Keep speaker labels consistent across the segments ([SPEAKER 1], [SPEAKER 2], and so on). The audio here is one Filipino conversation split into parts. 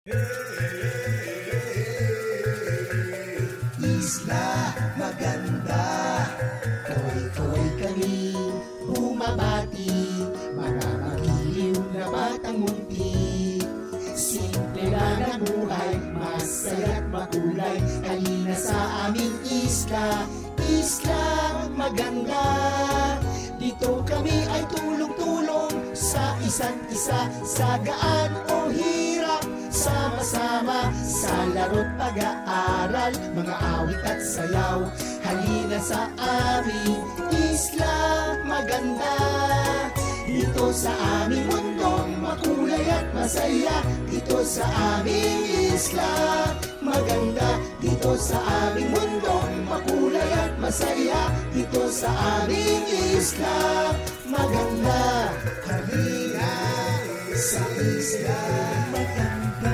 [SPEAKER 1] Isla maganda, koy-koy kami bumabati, mga magiliw na batang munti. Simple lang ang buhay, masaya't makulay, halina sa aming isla, isla maganda. Dito kami ay tulong-tulong sa isa't isa, sa gaan o hirap, sama-sama sa laro't pag-aaral, mga awit at sayaw. Halina sa aming isla maganda. Dito sa aming mundong makulay at masaya, dito sa aming isla maganda. Dito sa aming mundong makulay at masaya, dito sa aming isla maganda. Halina sa isla maganda.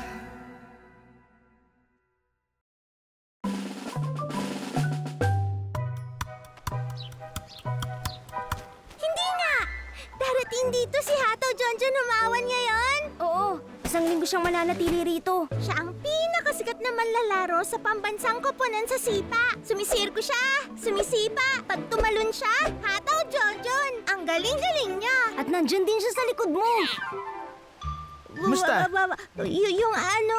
[SPEAKER 2] Hindi nga! Darating dito si Hato Jonjon Humawan ngayon!
[SPEAKER 3] Oo, isang linggo siyang mananatili rito.
[SPEAKER 2] Siya ang pinakasikat na manlalaro sa pambansang koponan sa sipa. Sumisirko siya, sumisipa, pag tumalon siya, Hato Jonjon! Ang galing-galing niya!
[SPEAKER 3] At nandyan din siya sa likod mo.
[SPEAKER 4] Kumusta?
[SPEAKER 2] Yung ano...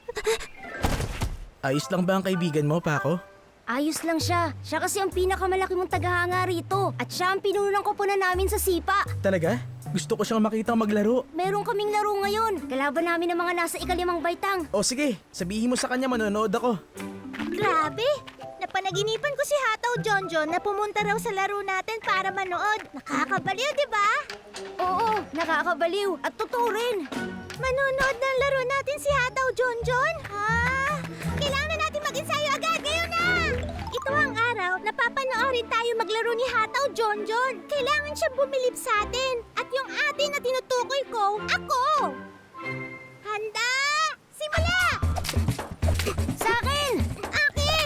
[SPEAKER 4] Ayos lang ba ang kaibigan mo, Paco?
[SPEAKER 3] Ayos lang siya. Siya kasi ang pinakamalaki mong tagahanga rito. At siya ang pinuno ng koponan namin sa sipa.
[SPEAKER 4] Talaga? Gusto ko siyang makitang maglaro.
[SPEAKER 3] Meron kaming laro ngayon. Kalaban namin ng mga nasa ikalimang baitang.
[SPEAKER 4] O sige, sabihin mo sa kanya manonood ako.
[SPEAKER 2] Grabe! Napanaginipan ko si Hataw Jonjon na pumunta raw sa laro natin para manood. Nakakabaliw, di ba?
[SPEAKER 3] Oo, nakakabaliw. At totoo rin.
[SPEAKER 2] Manonood ng laro natin si Hataw Jonjon? Kailangan na natin mag-ensayo agad ngayon na! Ito ang araw na papanoorin tayo maglaro ni Hataw Jonjon. Kailangan siyang bumilib sa atin. At yung atin na tinutukoy ko, ako! Handa! Simula!
[SPEAKER 3] Sa akin!
[SPEAKER 2] Akin!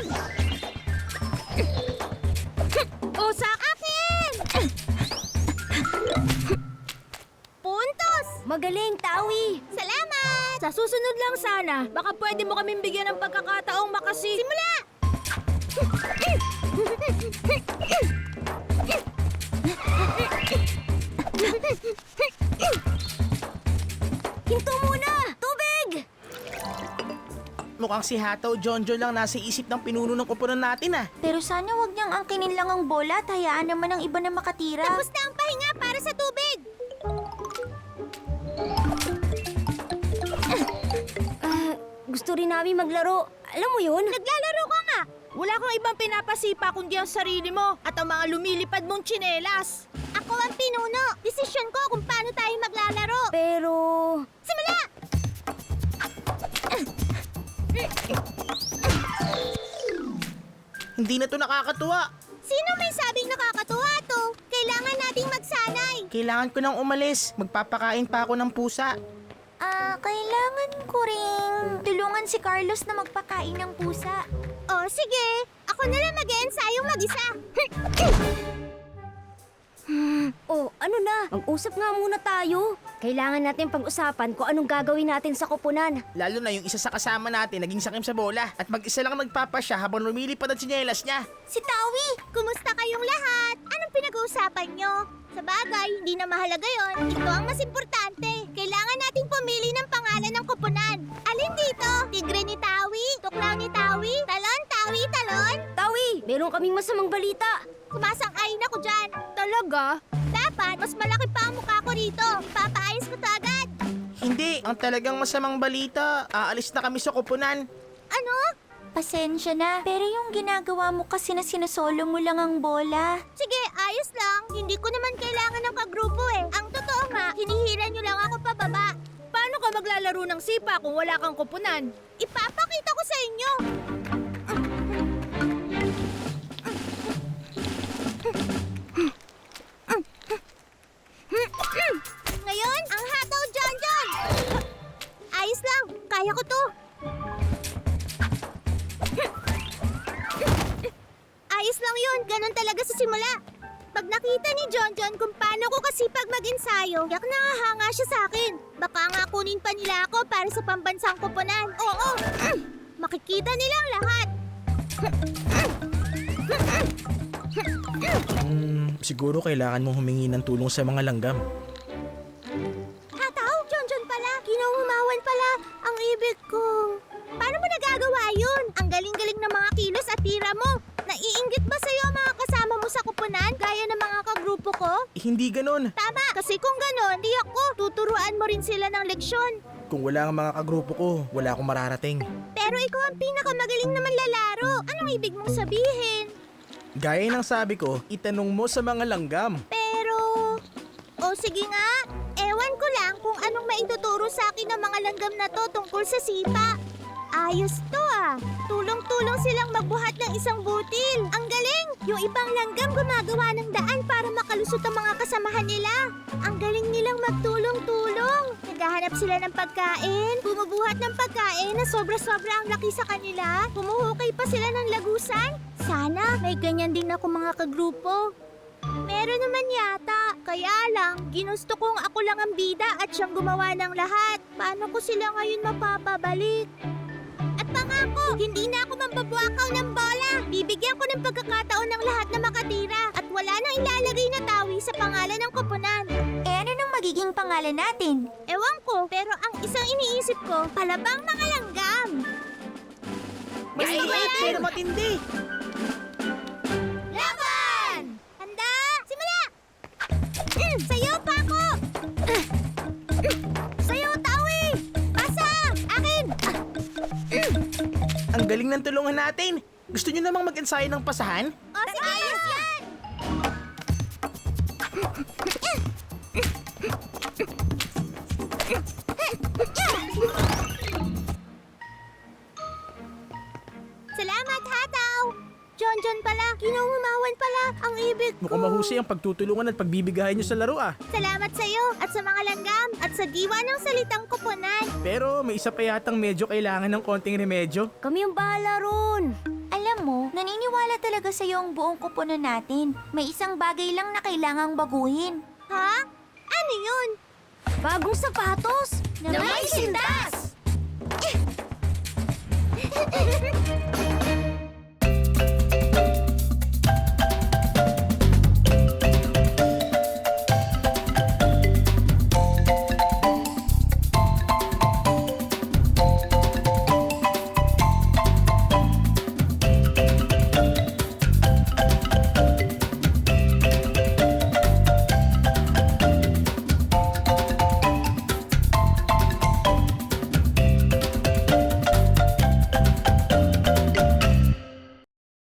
[SPEAKER 2] O sa akin! Puntos!
[SPEAKER 3] Magaling, Tawi.
[SPEAKER 2] Salamat!
[SPEAKER 5] Sa susunod lang sana, baka pwede mo kaming bigyan ng pagkakataong
[SPEAKER 2] Simula!
[SPEAKER 3] Hinto muna! Tubig!
[SPEAKER 4] Mukhang si Hataw Jonjon lang nasa isip ng pinuno ng koponan natin ah.
[SPEAKER 2] Pero sana wag niyang angkinin lang ang bola at hayaan naman ang iba na makatira. Tapos na ang pahinga para sa tubig!
[SPEAKER 3] Gusto rin namin maglaro. Alam mo yun?
[SPEAKER 2] Naglalaro ka nga!
[SPEAKER 5] wala kang ibang pinapasipa kundi ang sarili mo at ang mga lumilipad mong tsinelas.
[SPEAKER 2] Ako ang pinuno! Desisyon ko kung paano tayo maglalaro!
[SPEAKER 3] Pero...
[SPEAKER 2] Simula!
[SPEAKER 4] Hindi na to nakakatuwa.
[SPEAKER 2] Sino may sabing nakakatuwa to? Kailangan nating magsanay!
[SPEAKER 4] Kailangan ko nang umalis. Magpapakain pa ako ng pusa.
[SPEAKER 2] Kailangan ko ring tulungan si Carlos na magpakain ng pusa. Oh, sige. Ako na lang mag-eensayong mag-isa.
[SPEAKER 3] Oh, ano na? Mag-usap nga muna tayo. Kailangan natin pag-usapan kung anong gagawin natin sa koponan.
[SPEAKER 4] Lalo na yung isa sa kasama natin naging sakim sa bola. At mag-isa lang nagpapasya habang lumilipad ang tsinelas niya.
[SPEAKER 2] Si Tawi, kumusta kayong lahat? Anong pinag-uusapan nyo? Sa bagay, hindi na mahalaga yon. Ito ang mas importante. Kailangan nating pumili ng pangalan ng koponan. Alin dito? Tigre ni Tawi? Tuklaw ni Tawi? Talon, Tawi, talon?
[SPEAKER 3] Tawi, meron kaming masamang balita.
[SPEAKER 2] Sumasang-ayon ako dyan.
[SPEAKER 5] Talaga?
[SPEAKER 2] Dapat, mas malaki pa ang mukha ko rito. Ipapaayos ko to agad.
[SPEAKER 4] Hindi, ang talagang masamang balita. Aalis na kami sa koponan.
[SPEAKER 2] Ano? Pasensya na, pero yung ginagawa mo kasi na sinasolo mo lang ang bola. Sige, ayos lang. Hindi ko naman kailangan ng kagrupo eh. Ang totoo nga, hinihila nyo lang ako pababa.
[SPEAKER 5] Paano ka maglalaro ng sipa kung wala kang koponan?
[SPEAKER 2] Ipapakita ko sa inyo. Ngayon, ang hataw Jonjon! Ayos lang, kaya ko to. Ayos lang yun, ganun talaga sa simula. Pag nakita ni Jonjon kung paano ko kasipag mag-ensayo, yak nangahanga siya sa akin. Baka nga kunin pa nila ako para sa pambansang koponan. Oo, makikita nilang lahat.
[SPEAKER 4] Siguro kailangan mong humingi ng tulong sa mga langgam.
[SPEAKER 2] Hataw, Jonjon pala. Kinauhumawan pala ang ibig ko. Paano mo nagagawa yun? Ang galing-galing ng mga kilos at tira mo. Naiinggit ba sa'yo ang mga kasama mo sa koponan gaya ng mga kagrupo ko?
[SPEAKER 4] Hindi ganon.
[SPEAKER 2] Tama, kasi kung ganon, di ako. Tuturuan mo rin sila ng leksyon.
[SPEAKER 4] Kung wala ang mga kagrupo ko, wala akong mararating.
[SPEAKER 2] Pero ikaw ang pinakamagaling na manlalaro. Anong ibig mong sabihin?
[SPEAKER 4] Gaya ng sabi ko, itanong mo sa mga langgam.
[SPEAKER 2] Pero... O sige nga, ewan ko lang kung anong maituturo sa akin ng mga langgam na to tungkol sa sipa. Ayos to ah. Tulong-tulong silang magbuhat ng isang butil. Ang galing! Yung ibang langgam gumagawa ng daan para makalusot ang mga kasamahan nila. Ang galing nilang magtulong-tulong. Naghahanap sila ng pagkain, bumubuhat ng pagkain na sobra-sobra ang laki sa kanila. Humuhukay pa sila ng lagusan. Sana may ganyan din ako mga kagrupo. Meron naman yata. Kaya lang, ginusto kong ako lang ang bida at siyang gumawa ng lahat. Paano ko sila ngayon mapapabalik? At pangako, hindi na ako mambabuakaw ng bola. Bibigyan ko ng pagkakataon ng lahat na makatira at wala nang ilalagay na tawi sa pangalan ng koponan.
[SPEAKER 5] ano nang magiging pangalan natin?
[SPEAKER 2] Ewan ko, pero ang isang iniisip ko, palabang mga langgam.
[SPEAKER 4] Gusto ko yan! Pero matindi!
[SPEAKER 2] Laban! Handa! Simula! Sayo pa ako! Sayo, tawi! Pasa! Akin!
[SPEAKER 4] Ang galing ng tulungan natin! Gusto nyo namang mag-ensayo ng pasahan?
[SPEAKER 2] O, sige! Ayos yan! Salamat, Hataw! Jonjon pala, kinungumawan pala ang ibig ko.
[SPEAKER 4] Mukhang mahusay ang pagtutulungan at pagbibigayan nyo sa laro ah.
[SPEAKER 2] Salamat sa iyo at sa mga langgam at sa diwa ng salitang koponan.
[SPEAKER 4] Pero may isa pa yatang medyo kailangan ng konting remedyo.
[SPEAKER 3] Kami yung bahala ron.
[SPEAKER 5] Alam mo, naniniwala talaga sa ang buong kupunan natin. May isang bagay lang na kailangang baguhin.
[SPEAKER 2] Ha? Ano yun?
[SPEAKER 3] Bagong sapatos.
[SPEAKER 5] Na may sintas!